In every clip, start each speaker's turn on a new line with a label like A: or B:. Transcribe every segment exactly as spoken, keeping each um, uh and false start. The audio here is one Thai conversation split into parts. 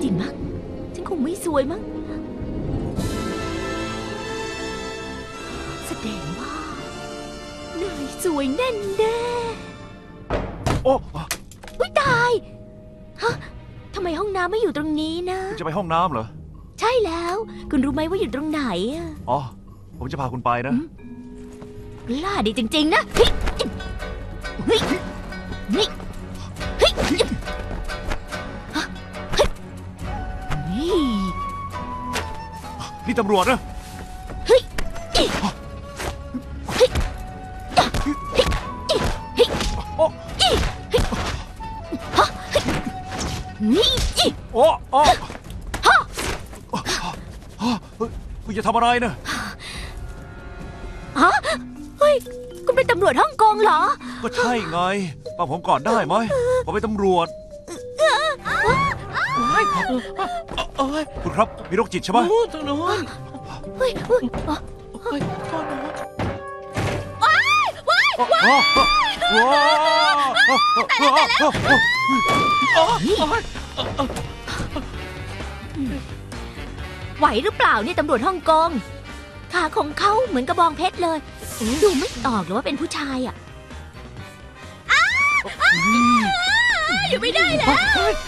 A: ริงมั้งฉันคงไม่สวยมั้งแสดงว่านายสวยแน่แน่
B: โอ้
A: อุ๊ยตายฮะทำไมห้องน้ำไม่อยู่ตรงนี้นะ
B: คุณจะไปห้องน้ำเหรอ
A: ใช่แล้วคุณรู้ไหมว่าอยู่ตรงไหนอะ
B: อ๋อผมจะพาคุณไปนะ
A: กล้าดีจริงๆนะเฮ้ยเฮ้ยเฮ้ยเฮ้ย
B: นี่ตำรวจนะ
A: เฮ้ยเฮ้ยเฮ้ย
B: โอ้
A: นี่
B: โอ้โอ้คุณจะทำอะไรนะ
A: ฮะเฮ้ยคุณเป็นตำรวจฮ่องกงเหรอ
B: ก็ใช่ไงฟังผมก่อนได้ไหมผมเป็นตำรวจคุณครับมีโรคจิตใช่ไหม
C: ทางโน้น
A: เฮ้ยเฮ้ย
C: เฮ้ยโทษนะ
A: ว้ายว้ายว้ายแต่แล้วไหวหรือเปล่าเนี่ยตำรวจฮ่องกงขาของเขาเหมือนกระบองเพชรเลยดูไม่ออกหรือว่าเป็นผู้ชายอ่ะอยู่ไม่ได้แล้ว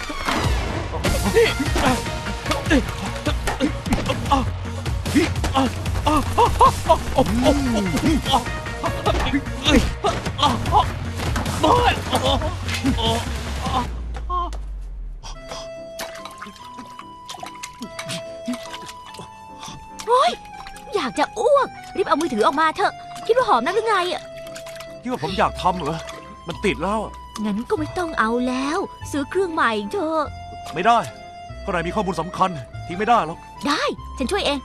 A: โอ๊ยอยากจะอ้วกรีบเอามือถือออกมาเถอะคิดว่าหอมนักหรือไงอ่ะ
B: คิดว่าผมอยากทำเหรอมันติดแล้ว
A: งั้นก็ไม่ต้องเอาแล้วซื้อเครื่องใหม่เถอะ
B: ไม่ได้ข้างในมีข้อมูลสำคัญทิ้งไม่ได้หรอก
A: ได้ฉันช่วยเอง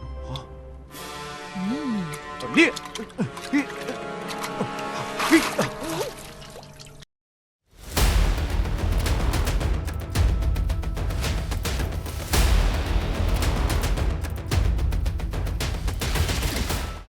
B: แบบนี้